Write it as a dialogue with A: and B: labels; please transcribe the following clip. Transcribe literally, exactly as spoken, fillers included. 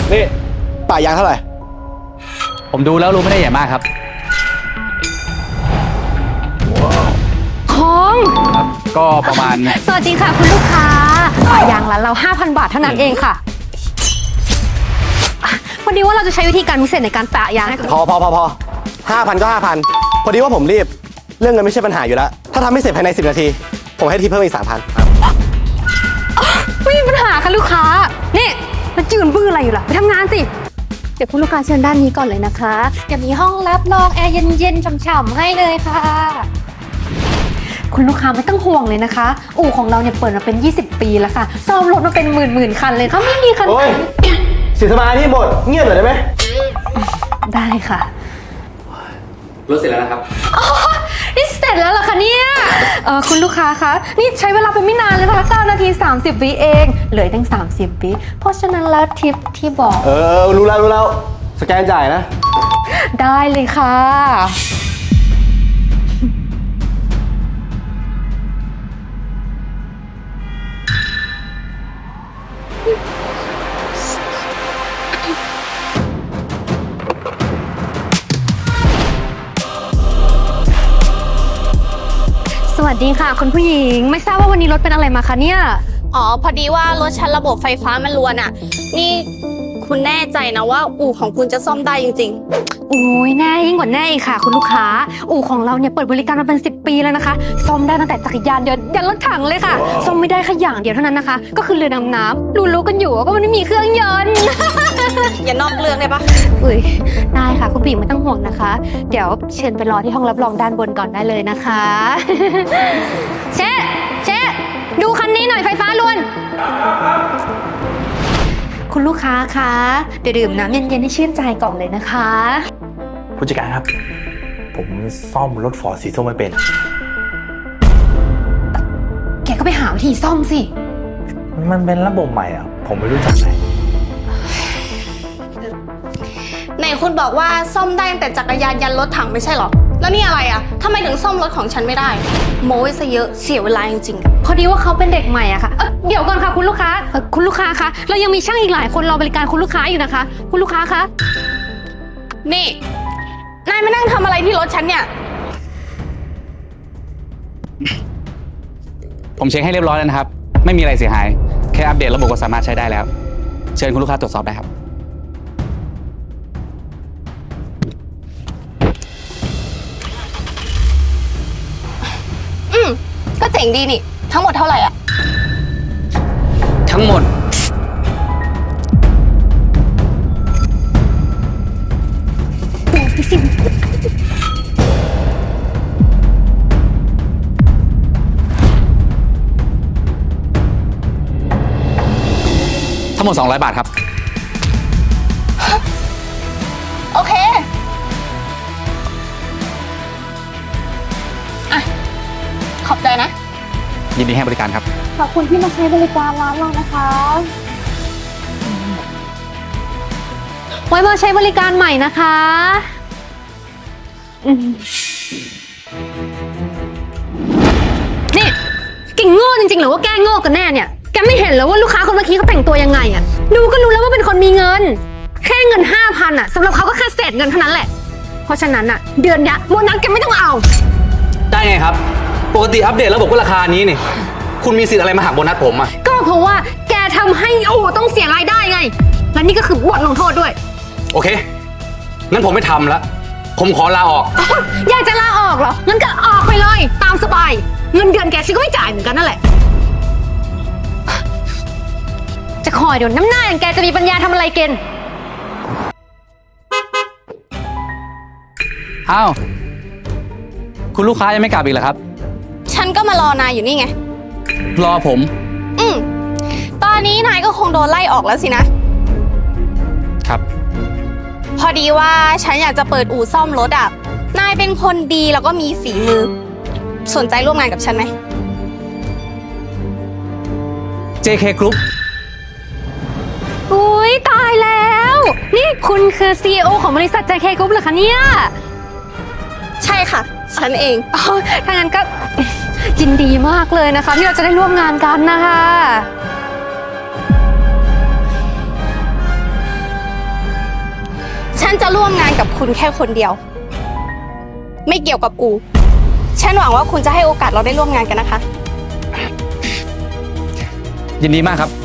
A: นี่ป่ายางเท่าไหร่ผมดูแล้วรู้ไม่ได้ใหญ่มากครับ
B: ของ
A: ครับก็ประมาณ
B: สวัสดีค่ะคุณลูกค้าป่ายางร้านเรา ห้าพัน บาทเท่านั้นเองค่ะพอดีว่าเราจะใช้วิธีการพิเศษในการปะยางให้
A: พอพอพอพอห้าพันก็ห้าพันพอดีว่าผมรีบเรื่องเงินไม่ใช่ปัญหาอยู่แล้วถ้าทำไม่เสร็จภายในสิบนาทีผมให้ที่เพิ่มอีกสามพัน
B: ไม่มีปัญหาค่ะลูกค้านี่มาจืนบื้ออะไรอยู่ล่ะไปทำงานสิเดี๋ยวคุณลูกค้าเชิญด้านนี้ก่อนเลยนะคะเดี๋ยวมีห้องรับรองแอร์เย็นๆฉ่ำๆให้เลยค่ะคุณลูกค้าไม่ต้องห่วงเลยนะคะอู่ของเราเนี่ยเปิดมาเป็นยี่สิบปีแล้วค่ะซ่อมรถมาเป็นหมื่นๆคันเลยเขาไม่มีคันไหน
A: เสียสมาธิหมดเงียบหน่อยได้ไหม
B: ได้ค่ะ
A: รถเสร็จแล้วนะครับ
B: อ๋อนี่เสร็จแล้วเหรอคะเนี่ยเออคุณลูกค้าคะนี่ใช้เวลาไปไม่นานเลยนะคะเก้านาทีสามสิบวิเองเหลือตั้งสามสิบวิเพราะฉะนั้นแล้วทิปที่บอก
A: เออรู้แล้วรู้แล้วสแกนจ่ายนะ
B: ได้เลยค่ะสวัสดีค่ะคุณผู้หญิงไม่ทราบว่าวันนี้รถเป็นอะไรมาคะเนี่ย
C: อ๋อพอดีว่ารถฉันระบบไฟฟ้ามันรวนอ่ะนี่คุณแน่ใจนะว่าอู่ของคุณจะซ่อมได้จริง
B: ๆโอ้ยแน่ยิ่งกว่าแน่อีกค่ะคุณลูกค้าอู่ของเราเนี่ยเปิดบริการมาเป็นสิบปีแล้วนะคะซ่อมได้ตั้งแต่จักรยานยนต์ยันรถถังเลยค่ะซ่อมไม่ได้แค่อย่างเดียวเท่านั้นนะคะก็คือเรือดำน้ำรู้ๆกันอยู่ว่ามันไม่มีเครื่องยนต์
C: อย่านอกเรื่องได้ปะ
B: อุ้ยได้ค่ะคุณผู้หญิงไม่ต้องห่วงนะคะเดี๋ยวเชิญไปรอที่ห้องรับรองด้านบนก่อนได้เลยนะคะเชฟเชฟดูคันนี้หน่อยไฟฟ้ารวนคุณลูกค้าคะเดี๋ยวดื่มน้ำเย็นๆให้ชื่นใจก่อนเลยนะคะ
D: ผู้จัดการครับผมซ่อมรถฟอร์ดสีส้มไม่เป็น
B: แกก็ไปหาวิธีซ่อมสิ
D: มันเป็นระบบใหม่อ่ะผมไม่รู้จักเลย
C: ไหนคุณบอกว่าซ่อมได้ตั้งแต่จักรยานยันรถถังไม่ใช่หรอแล้วนี่อะไรอ่ะทำไมถึงซ่อมรถของฉันไม่ได้โม้ซะเยอะเสียเวลาจริง
B: ๆพอดีว่าเขาเป็นเด็กใหม่อะค่ะเออเดี๋ยวก่อนค่ะคุณลูกค้าคุณลูกค้าคะเรายังมีช่างอีกหลายคนรอบริการคุณลูกค้าอยู่นะคะคุณลูกค้าคะ
C: นี่นายมานั่งทำอะไรที่รถฉันเนี่ย
A: ผมเช็คให้เรียบร้อยแล้วนะครับไม่มีอะไรเสียหายแค่อัปเดตระบบก็สามารถใช้ได้แล้วเชิญคุณลูกค้าตรวจสอบได้ครับ
C: อืมก็เจ๋งดีนี่ทั้งหมดเท่าไหร่อ่ะ
A: ทั้งหมดทั้งหมดสองร้อยบาทครับ
C: โอเคอ่ะขอบใจนะ
A: ยินดีให้บริการครับ
B: ขอบคุณที่มาใช้บริการร้านเรานะคะไว้มาใช้บริการใหม่นะคะนี่กิ่งโง่จริงๆหรือว่าแกโง่กันแน่เนี่ยแกไม่เห็นแล้วว่าลูกค้าคนเมื่อกี้เขาแต่งตัวยังไงอ่ะดูก็รู้แล้วว่าเป็นคนมีเงินแค่เงินห้าพันอ่ะสำหรับเขาก็แค่เศษเงินเท่านั้นแหละเพราะฉะนั้นอ่ะเดือนนี้โบนัสแกไม่ต้องเอา
A: ได้ไงครับปกติอัปเดตระบบก็ราคานี้นี่คุณมีสิทธิ์อะไรมาหักโบนัสผมอ่ะ
B: ก็เพราะว่าแกทำให้อู่ต้องเสียรายได้ไงและนี่ก็คือบทลงโทษด้วย
A: โอเคงั้นผมไม่ทำแล้วผมขอลาออก
B: อยากจะลาออกเหรองั้นก็ออกไปเลยตามสบายเงินเดือนแกฉันก็ไม่จ่ายเหมือนกันนั่นแหละจะคอยเดี๋ยวน้ำหน้าอย่างแกจะมีปัญญาทำอะไรกิน
A: อ้าวคุณลูกค้ายังไม่กลับอีกเหรอครับ
C: ฉันก็มารอนายอยู่นี่ไง
A: รอผม
C: อืมตอนนี้นายก็คงโดนไล่ออกแล้วสินะครับพอดีว่าฉันอยากจะเปิดอู่ซ่อมรถอ่ะนายเป็นคนดีแล้วก็มีฝีมือสนใจร่วมงานกับฉันไหม
A: เจ เค Group
B: อุ้ยตายแล้วนี่คุณคือ ซี อี โอ ของบริษัท เจ เค Group เหรอคะเนี่ย
C: ใช่ค่ะฉันเอง
B: อ๋อถ้างั้นก็ยินดีมากเลยนะคะที่เราจะได้ร่วมงานกันนะคะ
C: ฉันจะร่วมงานกับคุณแค่คนเดียว ไม่เกี่ยวกับอูฉันหวังว่าคุณจะให้โอกาสเราได้ร่วมงานกันนะคะ
E: ยินดีมากครับ